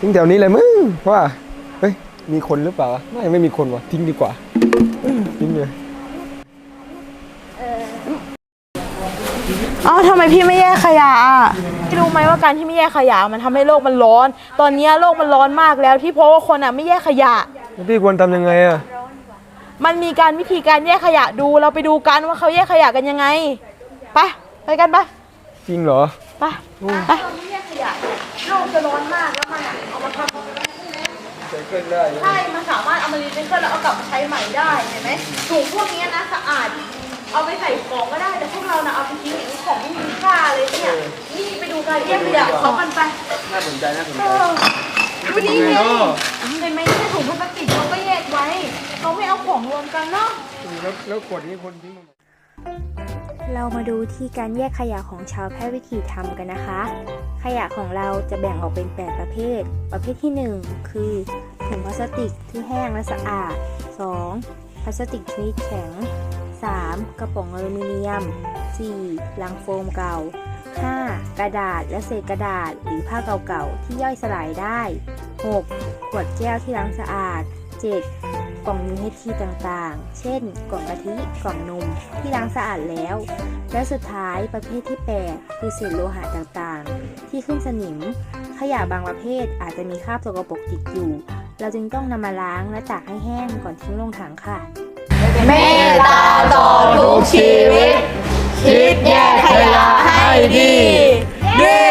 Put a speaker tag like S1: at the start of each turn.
S1: ทิ้งแถวนี้เลยมึงว่าเฮ้ยมีคนหรือเปล่าไม่มีคนวะทิ้งดีกว่าทิ้งเลย
S2: ทำไมพี่ไม่แยกขยะพี่รู้ไหมว่าการที่ไม่แยกขยะมันทำให้โลกมันร้อนตอนนี้โลกมันร้อนมากแล้วที่เพราะว่าคนไม่แยกขยะ
S1: พี่ควรทำยังไง
S2: มันมีวิธีการแยกขยะดูเราไปดูกันว่าเขาแยกขยะกันยังไงไปกันปะ
S1: จริงเหรอ
S2: ไปเราไม่แยกขยะโลกจะร้อนมากแล้วมันเอามาทำใช่มันสามารถเอามารีไซเคิลแล้วเอากลับมาใช้ใหม่ได้เห็นไหมถุงพวกนี้นะสะอาดเอาไปใส่ของก็ได้แต่พวกเราเอาไปทิ้งอย่างของไม่มีค่าเลยเนี่ยนี่ไปดูการแยกขยะเขากันไป
S1: น่าสนใจ
S2: ดูนี่ไงเห็นไหมที่ถุงพลาสติกเขาก็แยกไว้เขาไม่เอาของรวมกันเนาะ
S1: แล้วขวดนี้คนทิ้ง
S3: เรามาดูที่การแยกขยะของชาวแพร่วิถีทำกันนะคะขยะของเราจะแบ่งออกเป็น8ประเภทประเภทที่1คือถุงพลาสติกที่แห้งและสะอาด2พลาสติกชนิดแข็ง3กระป๋องอลูมิเนียม4ลังโฟมเก่า5กระดาษและเศษกระดาษหรือผ้าเก่าๆที่ย่อยสลายได้6ขวดแก้วที่ล้างสะอาด7กล่อง UHT ต่างๆเช่นกล่องกะทิกล่องนมที่ล้างสะอาดแล้วและสุดท้ายประเภทที่8คือเศษโลหะต่างๆที่ขึ้นสนิมขยะบางประเภทอาจจะมีคราบสกปรกติดอยู่เราจึงต้องนำมาล้างและตากให้แห้งก่อนทิ้งลงถังค่ะ
S4: เมตตาต่อทุกชีวิตคิดแยกขยะให้ดี